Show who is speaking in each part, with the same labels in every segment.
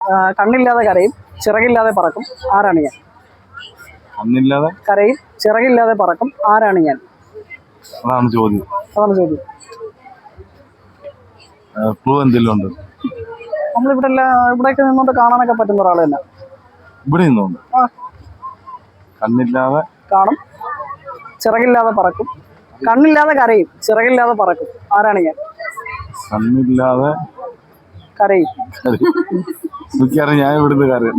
Speaker 1: കണ്ണില്ലാതെ കരയും ചിറകില്ലാതെ പറക്കും ആരാണ് ഞാൻ?
Speaker 2: കണ്ണില്ലാതെ
Speaker 1: കരയും ചിറകില്ലാതെ പറക്കും ആരാണ് ഞാൻ?
Speaker 2: അതാണ് ചോദ്യം. ക്ലൂ എന്തെങ്കിലും ഉണ്ട്?
Speaker 1: നമ്മളിവിടെ ഇവിടേക്ക് നിന്നോണ്ട് കാണാനൊക്കെ പറ്റുന്ന ഒരാൾ തന്നെ.
Speaker 2: ഇവിടെ നിന്നുണ്ട്. കണ്ണില്ലാതെ
Speaker 1: കാണും, ചിറകില്ലാതെ പറക്കും. കണ്ണില്ലാതെ കരയും ചിറകില്ലാതെ പറക്കും ആരാണ് ഞാൻ?
Speaker 2: കണ്ണില്ലാതെ
Speaker 1: കരയും.
Speaker 2: എനിക്കറിയാം, ഞാൻ ഇവിടുന്ന് കരയും.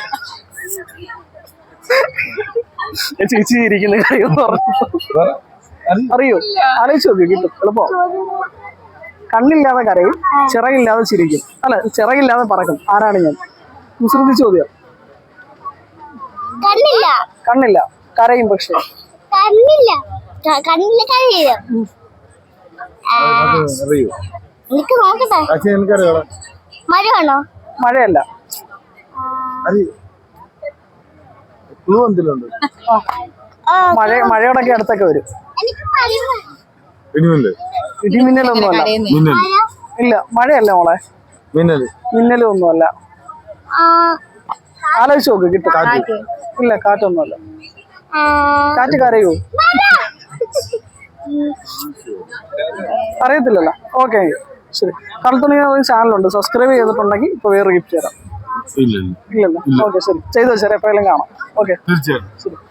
Speaker 1: ചേച്ചി ഇരിക്കുന്ന കാര്യം അറിയോ? ആലോചിച്ച് നോക്കി, കിട്ടും എളുപ്പം. കണ്ണില്ലാതെ കരയും ചിറകില്ലാതെ ചിരിക്കും, അല്ല ചിറകില്ലാതെ പറക്കും ആരാണ് ഞാൻ? കുസൃതി ചോദ്യം. കണ്ണില്ല കരയും, പക്ഷെ മഴയല്ല. മഴയോടൊക്കെ അടുത്തൊക്കെ വരും. ഇടിമിന്നലൊന്നുമല്ല. ഇല്ല, മഴയല്ല മോളെ. മിന്നലും ഒന്നുമല്ല. ആലോചിച്ച് നോക്ക്, കിട്ടും. ഇല്ല, കാറ്റൊന്നുമല്ല. കാറ്റ് കരയൂ? അറിയത്തില്ലല്ലോ. ഓക്കെ, ശരി. കളത്തുണി ചാനലുണ്ട്, സബ്സ്ക്രൈബ് ചെയ്തിട്ടുണ്ടെങ്കിൽ ഇപ്പൊ വേറെ ഗിഫ്റ്റ് തരാം. ഇല്ലല്ലോ. ഓക്കെ, ശരി, ചെയ്തോ. ശരി, എപ്പോഴെങ്കിലും കാണാം. ഓക്കെ,
Speaker 2: തീർച്ചയായും.
Speaker 1: ശരി.